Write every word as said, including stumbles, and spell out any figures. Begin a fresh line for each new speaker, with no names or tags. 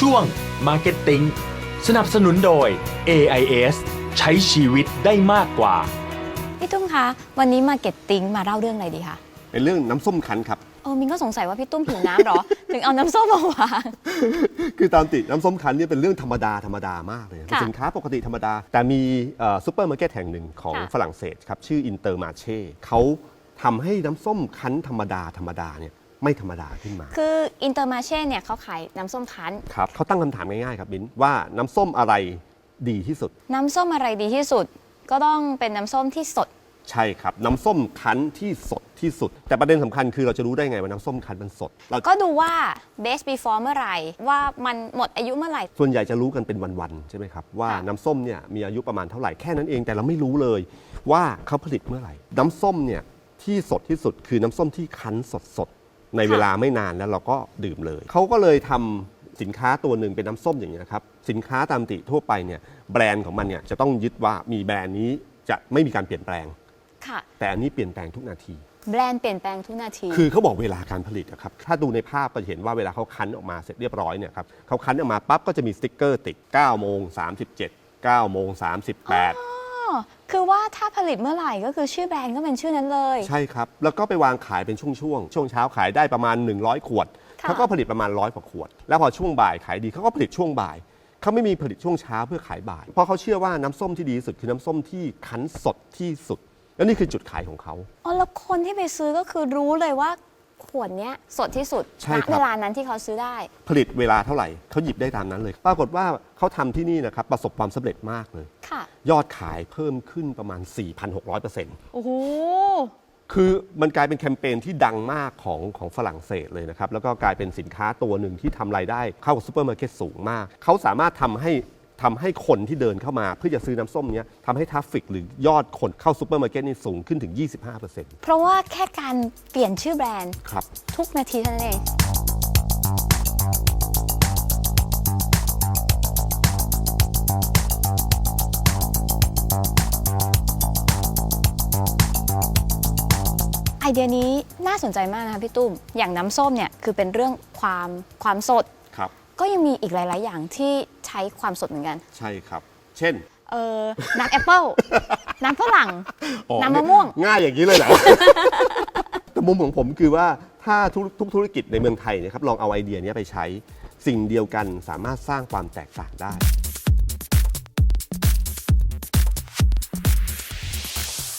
ช่วง Marketing สนับสนุนโดย เอ ไอ เอส ใช้ชีวิตได้มากกว่า
พี่ตุ้มคะวันนี้ Marketing มาเล่าเรื่องอะไรดีคะ
เป็นเรื่องน้ำส้มคั้นครับ
เออมินก็สงสัยว่าพี่ตุ้มหิวน้ำหรอ ถึงเอาน้ำส้มมาวาง
คือตามติน้ำส้มคั้นเนี่ยเป็นเรื่องธรรมดาธรรมดามากเลยเป็นสินค้าปกติธรรมดาแต่มีซูเปอร์มาร์เก็ตแห่งหนึ่งของฝรั่งเศสครับชื่ออินเตอร์มาเช่เขาทำให้น้ำส้มคั้นธรรมดาธรรมดาเนี่ยไม่ธรรมดาขึ้นมา
คืออินเตอร์มาเช่เนี่ยเขาขายน้ำส้มคั้น
ครับเขาตั้งคำถามง่ายๆครับบินว่าน้ำส้มอะไรดีที่สุด
น้ำส้มอะไรดีที่สุดก็ต้องเป็นน้ำส้มที่สด
ใช่ครับน้ำส้มคั้นที่สดที่สุดแต่ประเด็นสำคัญคือเราจะรู้ได้ไงว่าน้ำส้มคั้นมันสด
ก็ดูว่า best before เมื่อไหร่ว่ามันหมดอายุเมื่อไหร่
ส่วนใหญ่จะรู้กันเป็นวันๆใช่ไหมครับว่าน้ำส้มเนี่ยมีอายุประมาณเท่าไหร่แค่นั้นเองแต่เราไม่รู้เลยว่าเขาผลิตเมื่อไหร่น้ำส้มเนี่ยที่สดที่สุดคือน้ำส้มที่คั้นสดๆในเวลาไม่นานแล้วเราก็ดื่มเลยเขาก็เลยทำสินค้าตัวหนึ่งเป็นน้ำส้มอย่างนี้นะครับสินค้าตามติทั่วไปเนี่ยแบรนด์ของมันเนี่ยจะต้องยึดว่ามีแบรนด์นี้จะไม่มีการเปลี่ยนแปลงแต่อันนี้เปลี่ยนแปลงทุกนาที
แบรนด์เปลี่ยนแปลงทุกนาที
คือเขาบอกเวลาการผลิตครับถ้าดูในภาพก็จะเห็นว่าเวลาเขาคั้นออกมาเสร็จเรียบร้อยเนี่ยครับเขาคั้นออกมาปั๊บก็จะมีสติ๊กเกอร์ติดเก้าโมงสามสิบเจ็ด เก้าโมงสามสิบแปด
คือว่าถ้าผลิตเมื่อไหร่ก็คือชื่อแบรนด์ก็เป็นชื่อนั้นเลย
ใช่ครับแล้วก็ไปวางขายเป็นช่วงๆ ช่วงเช้าขายได้ประมาณหนึ่งร้อยขวดเขาก็ผลิตประมาณร้อยกว่าขวดแล้วพอช่วงบ่ายขายดีเขาก็ผลิตช่วงบ่ายเขาไม่มีผลิตช่วงเช้าเพื่อขายบ่ายเพราะเขาเชื่อว่าน้ำส้มที่ดีที่สุดคือน้ำส้มที่คั้นสดที่สุดแล้วนี่คือจุดขายของเขา
อ๋อแล้วคนที่ไปซื้อก็คือรู้เลยว่าขวดนี้สดที่สุดณเวลานั้นที่เขาซื้อได้
ผลิตเวลาเท่าไหร่เขาหยิบได้ตามนั้นเลยปรากฏว่าเขาทำที่นี่นะครับประสบความสำเร็จมากเลยยอดขายเพิ่มขึ้นประมาณ สี่พันหกร้อยเปอร์เซ็นต์
โอ้โห
คือมันกลายเป็นแคมเปญที่ดังมากของของฝรั่งเศสเลยนะครับแล้วก็กลายเป็นสินค้าตัวหนึ่งที่ทำรายได้เข้ากับซูเปอร์มาร์เก็ตสูงมากเขาสามารถทำให้ทำให้คนที่เดินเข้ามาเพื่อจะซื้อน้ำส้มนี้ทำให้ทราฟฟิกหรือยอดคนเข้าซูเปอร์มาร์เก็ตนี่สูงขึ้นถึง ยี่สิบห้าเปอร์เซ็นต์
เพราะว่าแค่การเปลี่ยนชื่อแบรนด์
ครับ
ทุกนาทีเท่านั้นเองไอเดียนี้น่าสนใจมากนะคะพี่ตุ้มอย่างน้ำส้มเนี่ยคือเป็นเรื่องความความสดก็ยังมีอีกหลายๆอย่างที่ใช้ความสดเหมือนกัน
ใช่ครับเช่น
เออน้ำแอปเปิ้ลน้ำฝรั่งน้ำมะม่วง
ง่ายอย่างนี้เลยเหรอ แต่มุมของผมคือว่าถ้าทุกธุรกิจในเมืองไทยนะครับลองเอาไอเดียนี้ไปใช้สิ่งเดียวกันสามารถสร้างความแตกต่างได้